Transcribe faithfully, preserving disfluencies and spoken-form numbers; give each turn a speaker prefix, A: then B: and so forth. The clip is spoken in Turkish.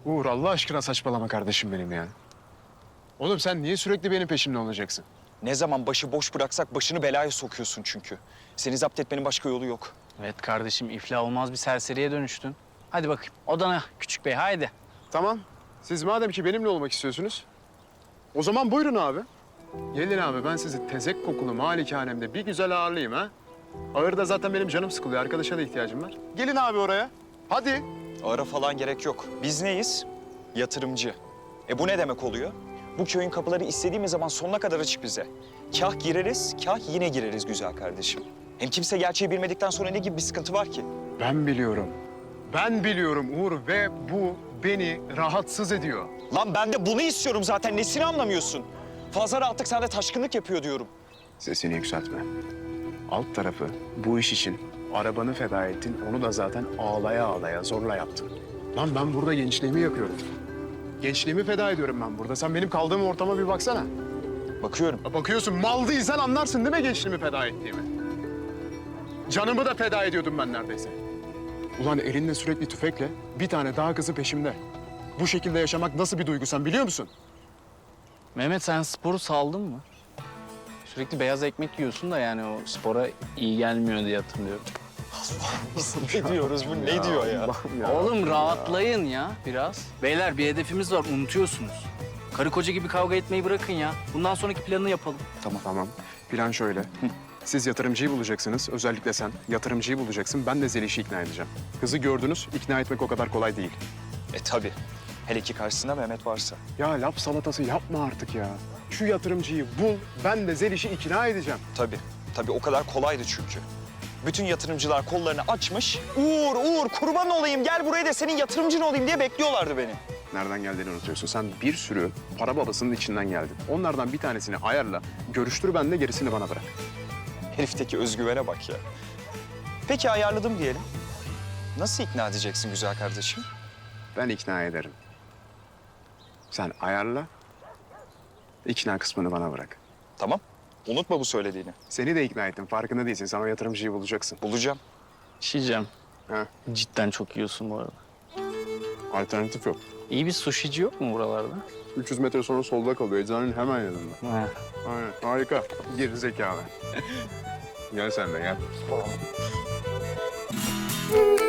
A: Uğur Allah aşkına saçmalama kardeşim benim ya. Oğlum sen niye sürekli benim peşimde olacaksın?
B: Ne zaman başı boş bıraksak başını belaya sokuyorsun çünkü. Seni zapt etmenin başka yolu yok.
C: Evet kardeşim, iflah olmaz bir serseriye dönüştün. Hadi bakayım odana küçük bey, haydi.
A: Tamam. Siz madem ki benimle olmak istiyorsunuz, o zaman buyurun abi. Gelin abi, ben sizi tezek kokulu malikanemde bir güzel ağırlayayım ha. Ağırda zaten benim canım sıkılıyor, arkadaşa da ihtiyacım var. Gelin abi oraya. Hadi.
B: Ara falan gerek yok. Biz neyiz? Yatırımcı. E bu ne demek oluyor? Bu köyün kapıları istediğimiz zaman sonuna kadar açık bize. Kah gireriz, kah yine gireriz güzel kardeşim. Hem kimse gerçeği bilmedikten sonra ne gibi bir sıkıntı var ki?
A: Ben biliyorum. Ben biliyorum Uğur ve bu beni rahatsız ediyor.
B: Lan ben de bunu istiyorum zaten. Nesini anlamıyorsun? Fazla rahatlık sende taşkınlık yapıyor diyorum.
A: Sesini yükseltme. Alt tarafı bu iş için arabanı feda ettin, onu da zaten ağlaya ağlaya zorla yaptın. Lan ben burada gençliğimi yakıyorum. Gençliğimi feda ediyorum ben burada. Sen benim kaldığım ortama bir baksana.
B: Bakıyorum.
A: Ya bakıyorsun, mal değilsen anlarsın değil mi gençliğimi feda ettiğimi? Canımı da feda ediyordum ben neredeyse. Ulan elinde sürekli tüfekle bir tane daha kızı peşimde. Bu şekilde yaşamak nasıl bir duygu sen biliyor musun?
C: Mehmet, sen sporu saldın mı? Sürekli beyaz ekmek yiyorsun da yani o spora iyi gelmiyor diye hatırlıyorum.
B: Ne diyoruz bu? Ne diyor ya?
C: Oğlum rahatlayın ya biraz. Beyler bir hedefimiz var, unutuyorsunuz. Karı koca gibi kavga etmeyi bırakın ya. Bundan sonraki planını yapalım.
A: Tamam. Tamam. Plan şöyle. Siz yatırımcıyı bulacaksınız. Özellikle sen yatırımcıyı bulacaksın. Ben de Zeliş'i ikna edeceğim. Kızı gördünüz. İkna etmek o kadar kolay değil.
B: E tabii. Hele ki karşısında Mehmet varsa.
A: Ya laf salatası yapma artık ya. Şu yatırımcıyı bul. Ben de Zeliş'i ikna edeceğim.
B: Tabii. Tabii o kadar kolaydı çünkü. Bütün yatırımcılar kollarını açmış. Uğur, Uğur kurban olayım gel buraya da senin yatırımcın olayım diye bekliyorlardı beni.
A: Nereden geldiğini unutuyorsun. Sen bir sürü para babasının içinden geldin. Onlardan bir tanesini ayarla. Görüştür ben de gerisini bana bırak.
B: Herifteki özgüvene bak ya. Peki ayarladım diyelim. Nasıl ikna edeceksin güzel kardeşim?
A: Ben ikna ederim. Sen ayarla. İkna kısmını bana bırak.
B: Tamam. Unutma bu söylediğini.
A: Seni de ikna ettim. Farkında değilsin. Sen o yatırımcıyı bulacaksın.
B: Bulacağım.
C: Şişeceğim.
A: Ha?
C: Cidden çok yiyorsun bu arada.
A: Alternatif yok.
C: İyi bir sushici yok mu buralarda?
A: üç yüz metre sonra solda kalıyor. Eczanenin hemen yanında.
C: He.
A: Aynen. Harika. Geri zekalı. Gel sen de gel.